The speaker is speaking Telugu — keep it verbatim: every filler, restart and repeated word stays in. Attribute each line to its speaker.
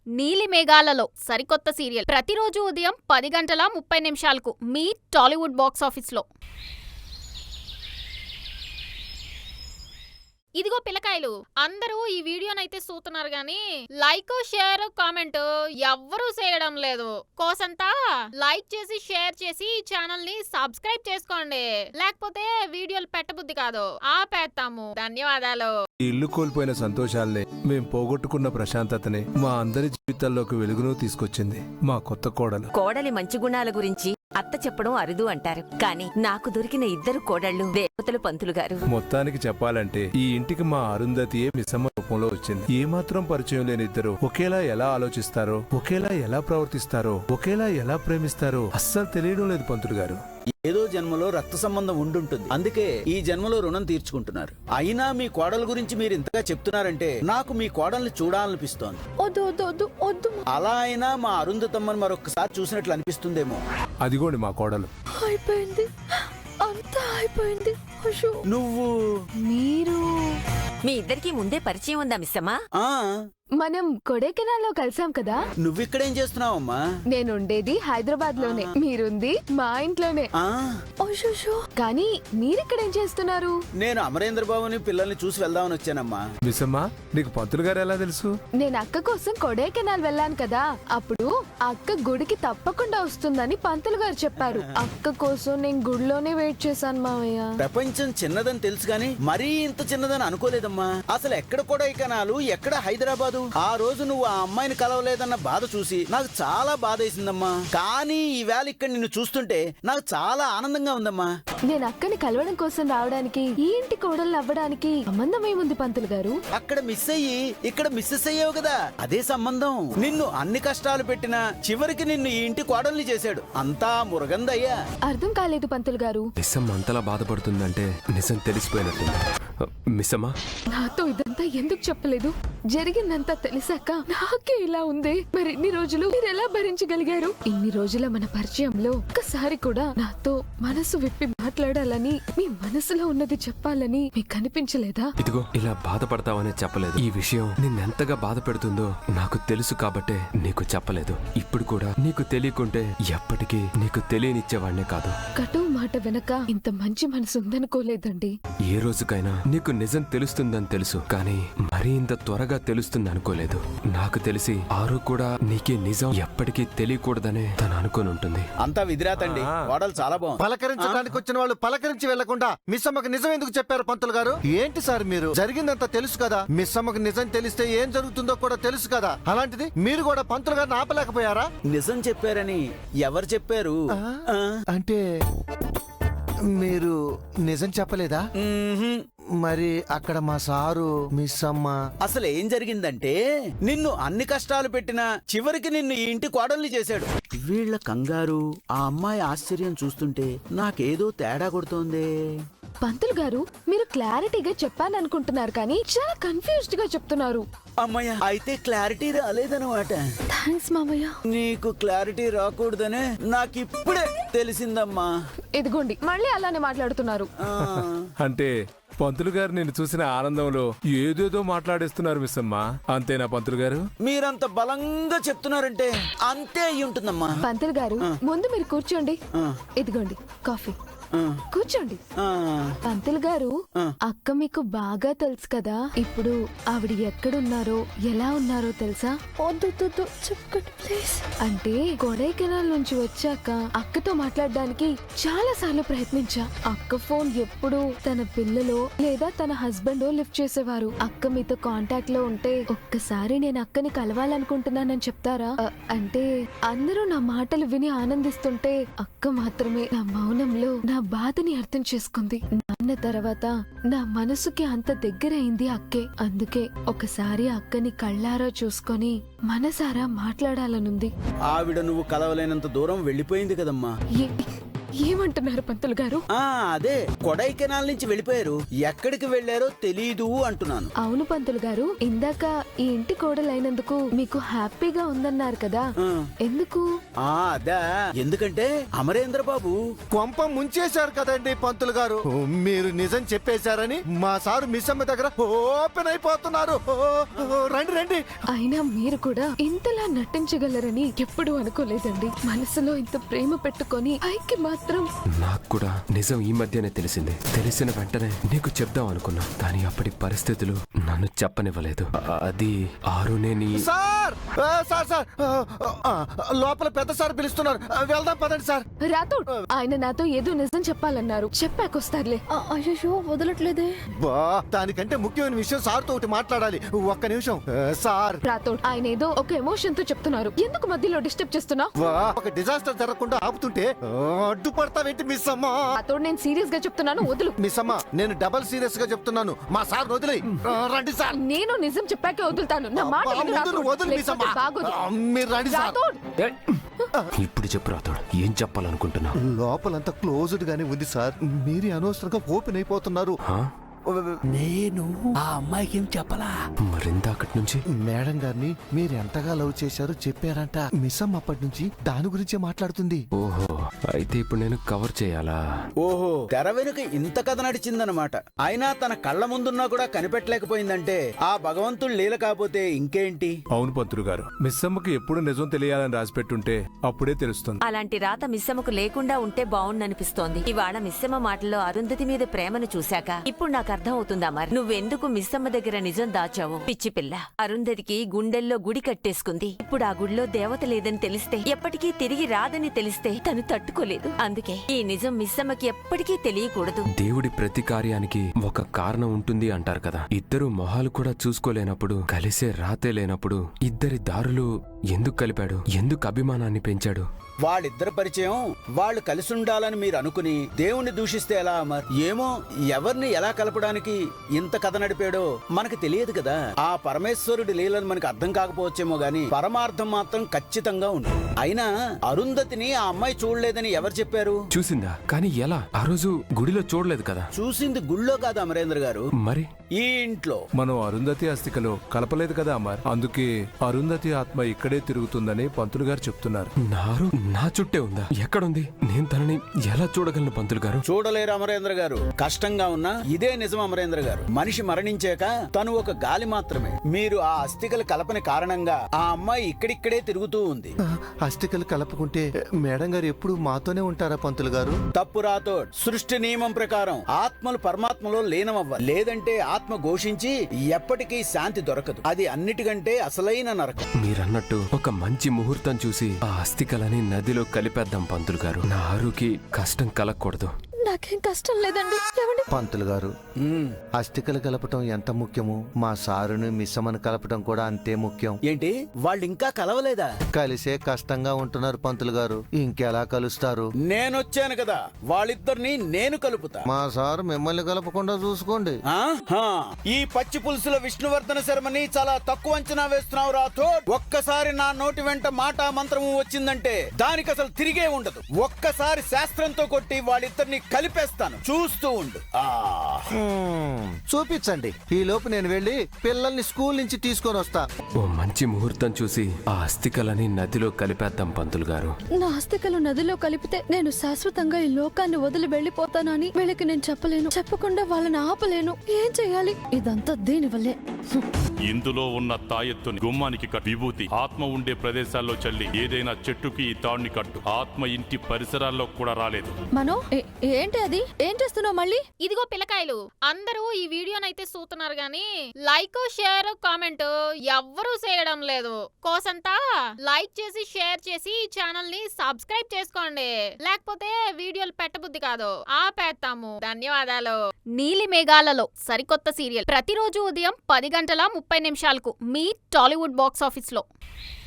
Speaker 1: నీలి మేఘాలలో సరికొత్త సీరియల్ ప్రతిరోజు ఉదయం పది గంటల ముప్పై నిమిషాలకు మీ టాలీవుడ్ బాక్స్ ఆఫీస్లో. ఇదిగో పిల్లకాయలు, అందరూ ఈ వీడియోనైతే చూస్తున్నారు గాని లైక్ షేర్ కామెంట్ ఎవ్వరూ చేయడం లేదు. కోసంతా లైక్ చేసి షేర్ చేసి ఈ ఛానల్ ని సబ్స్క్రైబ్ చేసుకోండి, లేకపోతే వీడియోలు పెట్టబుద్ధి కాదు, ఆపేస్తాము. ధన్యవాదాలు.
Speaker 2: ఇల్లు కోల్పోయిన సంతోషాలనే, మేం పోగొట్టుకున్న ప్రశాంతతనే మా అందరి జీవితాల్లోకి వెలుగును తీసుకొచ్చింది మా కొత్త కోడలు.
Speaker 3: కోడలి మంచి గుణాల గురించి అత్త చెప్పడం అరుదు అంటారు, కానీ నాకు దొరికిన ఇద్దరు కోడళ్లు దేవతలు పంతులు గారు.
Speaker 2: మొత్తానికి చెప్పాలంటే ఈ ఇంటికి మా అరుంధతియే మిస్సమ్మ రూపంలో వచ్చింది. ఏమాత్రం పరిచయం లేని ఇద్దరు ఒకేలా ఎలా ఆలోచిస్తారో, ఒకేలా ఎలా ప్రవర్తిస్తారో, ఒకేలా ఎలా ప్రేమిస్తారో అస్సలు తెలియడం లేదు పంతులు గారు.
Speaker 4: ఏదో జన్మలో రక్త సంబంధం ఉండుంటుంది, అందుకే ఈ జన్మలో రుణం తీర్చుకుంటున్నారు. అయినా మీ కోడల గురించి మీరు ఇంతగా చెప్తున్నారంటే నాకు మీ కోడల్ని చూడాలనిపిస్తోంది. అలా అయినా మా అరుంధతమ్మని మరొకసారి చూసినట్లు అనిపిస్తుందేమో.
Speaker 2: అదిగోండి మా కోడలు.
Speaker 5: అయిపోయింది, అంతా అయిపోయింది.
Speaker 4: నువ్వు
Speaker 5: మీరు
Speaker 3: మీ ఇద్దరికి ముందే పరిచయం ఉందా మిస్సమ్మా?
Speaker 4: ఆ
Speaker 5: మనం కొడైకెనాల్లో కలిసాం కదా.
Speaker 4: నువ్విక్కడేం చేస్తున్నావమ్మా?
Speaker 5: నేనుండేది హైదరాబాద్ లోనే, మీరుంది మా ఇంట్లోనే.
Speaker 4: ఆ
Speaker 5: కానీ మీరిక్కడేం చేస్తున్నారు?
Speaker 4: నేను అమరేంద్ర బాబుని పిల్లల్ని చూసి వెళ్దామని వచ్చానమ్మా.
Speaker 2: మిస్సమ్మ, నీకు పంతులు గారు ఎలా తెలుసు?
Speaker 5: నేను అక్క కోసం కొడైకెనాల్ వెళ్ళాను కదా, అప్పుడు అక్క గుడికి తప్పకుండా వస్తుందని పంతులు గారు చెప్పారు. అక్క కోసం నేను గుడిలోనే వెయిట్ చేశాను మావయ్య.
Speaker 4: ప్రపంచం చిన్నదని తెలుసు గాని మరీ ఇంత చిన్నదని అనుకోలేదమ్మా. అసలు ఎక్కడ కొడైకెనాలు, ఎక్కడ హైదరాబాదు? ఆ రోజు నువ్వు ఆ అమ్మాయిని కలవలేదన్న బాధ చూసి నాకు చాలా బాధ వేసిందమ్మా. కానీ ఈవేళ ఇక్కడ నిన్ను చూస్తుంటే నాకు చాలా ఆనందంగా ఉందమ్మా.
Speaker 5: నేను అక్కని కలవడం కోసం రావడానికి, ఈ ఇంటి కోడలు అవ్వడానికి సంబంధం ఏముంది పంతులు గారు?
Speaker 4: అక్కడ మిస్ అయ్యి ఇక్కడ మిస్సెస్ అయ్యావు కదా, అదే సంబంధం. నిన్ను అన్ని కష్టాలు పెట్టినా చివరికి నిన్ను ఈ ఇంటి కోడల్ని చేశాడు. అంతా మురగందయ్యా.
Speaker 5: అర్థం కాలేదు పంతులు గారు.
Speaker 6: మిస్సమ్మ అంతలా బాధపడుతుందంటే నిజం తెలిసిపోయినట్టుంది. మిస్సమ్మ,
Speaker 5: నాతో ఇదంతా ఎందుకు చెప్పలేదు? జరిగిందంతా తెలిసాక నాకే ఇలా ఉంది. మరి ఇన్ని రోజులు మీరు ఎలా భరించగలిగారు? ఇన్ని రోజుల మన పరిచయంలో ఒక్కసారి కూడా నాతో మనసు విప్పి మాట్లాడాలని, మీ మనసులో ఉన్నది చెప్పాలని మీకు అనిపించలేదా?
Speaker 6: ఇదిగో ఇలా బాధపడతావనే చెప్పలేదు. ఈ విషయం నిన్నెంతగా బాధ పెడుతుందో నాకు తెలుసు కాబట్టే నీకు చెప్పలేదు. ఇప్పుడు కూడా నీకు తెలియకుంటే ఎప్పటికీ నీకు తెలియనిచ్చేవాడినే కాదు.
Speaker 5: కటువు మాట వెనక ఇంత మంచి మనసు ఉందనుకోలేదండి.
Speaker 6: ఏ రోజుకైనా నీకు నిజం తెలుస్తుందని తెలుసు, కానీ మరీ ఇంత త్వరగా తెలుస్తుంది అనుకోలేదు. నాకు తెలిసి ఆరు కూడా నీకే నిజం ఎప్పటికీ తెలియకూడదనే తను అనుకుని ఉంటుంది.
Speaker 4: అంతా విధిరాతండి, కోడలు చాలా బాగుంది.
Speaker 7: పలకరించడానికి వచ్చిన వాళ్ళు పలకరించి వెళ్లకుండా మిస్ అమ్మకి నిజం ఎందుకు చెప్పారు పంతులు గారు? ఏంటి సార్ మీరు? జరిగిందంతా తెలుసు కదా, మిస్ అమ్మకి నిజం తెలిస్తే ఏం జరుగుతుందో కూడా తెలుసు కదా, అలాంటిది మీరు కూడా పంతులు గారిని ఆపలేకపోయారా?
Speaker 4: నిజం చెప్పారని ఎవరు చెప్పారు?
Speaker 7: అంటే మీరు నిజం చెప్పలేదా? మరి అక్కడ మా సారు, మిస్ అమ్మ.
Speaker 4: అసలు ఏం జరిగిందంటే నిన్ను అన్ని కష్టాలు పెట్టినా చివరికి నిన్ను ఈ ఇంటి కోడల్ని చేశాడు. వీళ్ల కంగారు, ఆ అమ్మాయి ఆశ్చర్యం చూస్తుంటే నాకేదో తేడా కొడుతోంది.
Speaker 5: పంతులు గారు, మీరు క్లారిటీగా చెప్పాననుకుంటున్నారు కానీ చాలా కన్ఫ్యూజ్డ్ గా చెప్తున్నారు.
Speaker 4: అమ్మయ్య, అయితే క్లారిటీ రాలేదన్నమాట.
Speaker 5: థాంక్స్ మామయ్య.
Speaker 4: నీకు క్లారిటీ రాకూడదనే నాకిప్పుడే తెలిసిందమ్మా.
Speaker 5: ఇదిగోండి, మళ్ళీ అలానే మాట్లాడుతున్నారు.
Speaker 2: అంటే పంతులు గారు నిన్ను చూసిన ఆనందంలో ఏదేదో మాట్లాడేస్తున్నారు మిస్సమ్మ, అంతేనా పంతులు గారు?
Speaker 4: మీరంత బలంగా చెప్తున్నారంటే అంతే అయి ఉంటుందమ్మా.
Speaker 5: పంతులు గారు, ముందు మీరు కూర్చోండి. ఇదిగోండి కాఫీ, కూర్చోండి. పంతులు గారు, అక్క మీకు బాగా తెలుసు కదా, ఇప్పుడు ఆవిడ ఎక్కడున్నారో ఎలా ఉన్నారో తెలుసా? అంటే కొడైకెనాల్ నుంచి వచ్చాక అక్కతో మాట్లాడడానికి చాలా సార్లు ప్రయత్నించా. అక్క ఫోన్ ఎప్పుడు తన పిల్లలో లేదా తన హస్బెండ్ లిఫ్ట్ చేసేవారు. అక్క మీతో కాంటాక్ట్ లో ఉంటే ఒక్కసారి నేను అక్కని కలవాలనుకుంటున్నానని చెప్తారా? అంటే అందరూ నా మాటలు విని ఆనందిస్తుంటే అక్క మాత్రమే నా మౌనంలో నా బాధని అర్థం చేసుకుంది. నాన్న తర్వాత నా మనసుకి అంత దగ్గరైంది అక్కే. అందుకే ఒకసారి అక్కని కళ్ళారా చూసుకొని మనసారా మాట్లాడాలనుంది.
Speaker 4: ఆవిడ నువ్వు కలవలేనంత దూరం వెళ్ళిపోయింది కదమ్మా.
Speaker 5: ఏమంటున్నారు పంతులు గారు?
Speaker 4: ఆ అదే కొడైకెనాల్ నుంచి వెళ్ళిపోయారు. ఎక్కడికి వెళ్ళారో తెలీదు అంటున్నాను.
Speaker 5: అవును పంతులు గారు, ఇందాక ఈ ఇంటి కోడలైనందుకు మీకు హ్యాపీగా ఉందన్నారు కదా,
Speaker 4: ఆ.
Speaker 5: ఎందుకు?
Speaker 4: ఆ అదా ఎందుకంటే అమరేంద్ర బాబు
Speaker 7: కొంప ముంచేశారు కదండి పంతులు గారు. మీరు నిజం చెప్పేశారని మా సారు మిస్సమ్మ దగ్గర ఓపెన్ అయిపోతున్నారు. ఓ, ఓ, రండి రండి.
Speaker 5: అయినా మీరు కూడా ఇంతలా నటించగలరని ఎప్పుడూ అనుకోలేదండి. మనసులో ఇంత ప్రేమ పెట్టుకొని పైకి మాత్రం.
Speaker 6: నాకు కూడా నిజం ఈ మధ్యనే తెలిసింది. తెలిసిన వెంటనే నీకు చెప్దాం అనుకున్నా, కానీ అప్పటి పరిస్థితులు నన్ను చెప్పనివ్వలేదు. ఆ- అది ఆరునే నీ
Speaker 7: సార్ ఆ, సార్ సార్ ఆ, ఆ, లోపల పెద్ద సార్ పిలుస్తున్నారు. ఆ, వెళ్దాం పదండి సార్.
Speaker 5: రాథోడ్, ఆయన నాతో ఏదో నిజం చెప్పాలన్నారు. చెప్పాకొస్తారులే.
Speaker 8: అయ్యో వదలట్లేదే.
Speaker 7: బా దానికంటే ముఖ్యమైన విషయం సార్తో ఒకటి మాట్లాడాలి. ఒక్క నిమిషం ఆ, సార్.
Speaker 5: రాథోడ్, ఆయన ఏదో ఒక ఎమోషన్ తో చెప్తున్నారు. ఎందుకు మధ్యలో డిస్టర్బ్ చేస్తున్నా?
Speaker 7: వా, ఒక డిజాస్టర్ జరగకుండా ఆపుతుంటే ఆ, అడ్డుపడతావేంటి మిస్ అమ్మ?
Speaker 5: రాథోడ్, నేను సీరియస్ గా చెప్తున్నాను, వదులు.
Speaker 7: మిస్ అమ్మ, నేను డబల్ సీరియస్ గా చెప్తున్నాను. మా సార్ వదిలే రండి సార్.
Speaker 5: నేను నిజం చెప్పాకే వదులుతాను. నా మాట
Speaker 7: ఆ,
Speaker 5: విను,
Speaker 7: ముందు
Speaker 5: రాథోడ్.
Speaker 7: నువ్వు వదులు మిస్ అమ్మ.
Speaker 5: లేకపోతే బాగోదు.
Speaker 7: ఆ, మీరు రండి సార్.
Speaker 5: రాథోడ్,
Speaker 6: ఏయ్! ఇప్పుడు చెప్పు రాతోడు, ఏం చెప్పాలనుకుంటున్నా?
Speaker 7: లోపలంతా క్లోజ్డ్ గానే ఉంది సార్. మీరే అనవసరంగా ఓపెన్ అయిపోతున్నారు.
Speaker 6: హా?
Speaker 4: నేను ఆ అమ్మాయికి ఏం చెప్పలా.
Speaker 6: మరిందాకటి నుంచి
Speaker 7: మేడం గారిని మీరు ఎంతగా లవ్ చేశారో చెప్పారంట. మిస్ అమ్మ అప్పటి నుంచి దాని గురించే మాట్లాడుతుంది.
Speaker 6: ఓహో, అయితే ఇప్పుడు నేను కవర్ చేయాలా?
Speaker 4: ఓహో, తెర వెనుక ఇంత కథ నడిచిందనమాట. అయినా తన కళ్ళ ముందున్నా కూడా కనిపెట్టలేకపోయిందంటే ఆ భగవంతుడు లీల కాకపోతే ఇంకేంటి.
Speaker 2: అవును పంతులు గారు, మిస్సమ్మకి ఎప్పుడు నిజం తెలియాలని రాసిపెట్టుంటే అప్పుడే తెలుస్తుంది.
Speaker 3: అలాంటి రాత మిస్సమ్మకు లేకుండా ఉంటే బావుండనిపిస్తోంది. ఇవాళ మిస్సమ్మ మాటల్లో అరుంధతి మీద ప్రేమను చూశాక ఇప్పుడు నాకు అర్థం అవుతుందా మరి నువ్వెందుకు మిస్సమ్మ దగ్గర నిజం దాచావు? పిచ్చి పిల్ల, అరుంధతికి గుండెల్లో గుడి కట్టేసుకుంది. ఇప్పుడు ఆ గుడిలో దేవత లేదని తెలిస్తే, ఎప్పటికీ తిరిగి రాదని తెలిస్తే తను తట్టుకోలేదు. అందుకే ఈ నిజం మిస్సమ్మకి ఎప్పటికీ తెలియకూడదు.
Speaker 6: దేవుడి ప్రతి కార్యానికి ఒక కారణం ఉంటుంది అంటారు కదా. ఇద్దరు మొహాలు కూడా చూసుకోలేనప్పుడు, కలిసే రాతే లేనప్పుడు ఇద్దరి దారులు ఎందుకు కలిపాడు? ఎందుకు అభిమానాన్ని పెంచాడు?
Speaker 4: వాళ్ళిద్దరి పరిచయం వాళ్ళు కలిసి ఉండాలని మీరు అనుకుని దేవుణ్ణి దూషిస్తే ఎలా అమర్? ఏమో, ఎవరిని ఎలా కలపడానికి ఇంత కథ నడిపాడో మనకు తెలియదు కదా. ఆ పరమేశ్వరుడి లీలను మనకు అర్థం కాకపోవచ్చేమో గాని పరమార్థం మాత్రం ఖచ్చితంగా ఉంది. అయినా అరుంధతిని ఆ అమ్మాయి చూడలేదని ఎవరు చెప్పారు?
Speaker 6: చూసిందా? కానీ ఎలా? ఆ రోజు గుడిలో చూడలేదు కదా.
Speaker 4: చూసింది గుళ్ళో కాదు అమరేంద్ర గారు,
Speaker 6: మరి
Speaker 4: ఈ ఇంట్లో.
Speaker 2: మనం అరుంధతి అస్థికలో కలపలేదు కదా అమ్మార్. అందుకే అరుంధతి ఆత్మ ఇక్కడే తిరుగుతుందని పంతులు గారు చెప్తున్నారు.
Speaker 6: నారు నా చుట్టే ఉందా? ఎక్కడుంది? నేను తనని ఎలా చూడగలను పంతులు గారు?
Speaker 4: చూడలేరు అమరేంద్ర గారు. కష్టంగా ఉన్నా ఇదే నిజం అమరేంద్ర గారు. మనిషి మరణించాక తను ఒక గాలి మాత్రమే. మీరు ఆ అస్థికల కలపని కారణంగా ఆ అమ్మాయి ఇక్కడిక్కడే తిరుగుతూ ఉంది.
Speaker 7: ఆ, అస్థికలు కలపకుంటే మేడం గారు ఎప్పుడు మాతోనే ఉంటారా పంతులు గారు?
Speaker 4: తప్పు రాతో. సృష్టి నియమం ప్రకారం ఆత్మలు పరమాత్మలో లీనమవ్వాలి. లేదంటే ఆత్మ ఘోషించి ఎప్పటికీ శాంతి దొరకదు. అది అన్నిటికంటే అసలైన నరకం.
Speaker 6: మీరన్నట్టు ఒక మంచి ముహూర్తం చూసి ఆ అస్థికలని నదిలో కలిపేద్దాం పంతులు గారు. నా ఆరుకి కష్టం కలగకూడదు.
Speaker 8: నాకేం కష్టం లేదండి. ఏమండి?
Speaker 7: పంతులు గారు,
Speaker 4: ఉమ్,
Speaker 7: అస్థికలు కలపటం ఎంత ముఖ్యమో మా సారుని మిస్సమ్మను కలపటం కూడా అంతే ముఖ్యం.
Speaker 4: ఏంటి వాళ్ళు ఇంకా కలవలేదా?
Speaker 7: కలిసే కష్టంగా ఉంటున్నారు పంతులు గారు. ఇంకెలా కలుస్తారు?
Speaker 4: నేనొచ్చాను కదా, వాళ్ళిద్దరిని నేను కలుపుతా.
Speaker 7: మా సారు మిమ్మల్ని కలపకుండా చూసుకోండి.
Speaker 4: ఆ? హా. ఈ పచ్చి పులుసుల విష్ణువర్ధన శర్మని చాలా తక్కువ అంచనా వేస్తున్నావు రాతో. ఒక్కసారి నా నోటి వెంట మాట మంత్రము వచ్చిందంటే దానికి అసలు తిరిగే ఉండదు. ఒక్కసారి శాస్త్రంతో కొట్టి వాళ్ళిద్దరిని కలిపేస్తాను, చూస్తూ ఉండు. ఆ
Speaker 7: హ్మ్, చూపించండి. ఈ లోపు నేను వెళ్ళి పిల్లల్ని స్కూల్ నుంచి తీసుకొని వస్తా.
Speaker 6: ఓ మంచి ముహూర్తం చూసి ఆ అస్థికలని నదిలో కలిపేద్దాం పంతులు గారు.
Speaker 8: నా ఆస్తికలు నదిలో కలిపితే నేను శాశ్వతంగా ఈ లోకాన్ని వదిలి వెళ్లిపోతానని వీళ్ళకి నేను చెప్పలేను. చెప్పకుండా వాళ్ళని ఆపలేను. ఏం చెయ్యాలి? ఇదంతా దీనివల్లే.
Speaker 9: ఇందులో ఉన్న తాయెత్తుని గుమ్మానికి కట్టు. విభూతి ఆత్మ ఉండే ప్రదేశాల్లో చల్లి ఏదైనా చెట్టుకి ఈ తాడుని కట్టు. ఆత్మ ఇంటి పరిసరాల్లో కూడా రాలేదు.
Speaker 8: మనో ఏ- ఏంటి అది? ఏం చేస్తున్నావు మళ్ళీ?
Speaker 1: ఇదిగో పిల్లకాయలు, అందరూ ఈ వీడియోనైతే చూస్తున్నారు గాని లైక్ షేర్ కామెంట్ ఎవ్వరూ చేయడం లేదు. కోసంతా లైక్ చేసి షేర్ చేసి ఈ ఛానల్ ని సబ్స్క్రైబ్ చేసుకోండి. లేకపోతే వీడియోలు పెట్టబుద్ధి కాదు, ఆపేస్తాము. ధన్యవాదాలు. నీలి మేఘాలలో సరికొత్త సీరియల్ ప్రతిరోజు ఉదయం పది గంటల ముప్పై నిమిషాలకు మీ టాలీవుడ్ బాక్స్ ఆఫీస్ లో.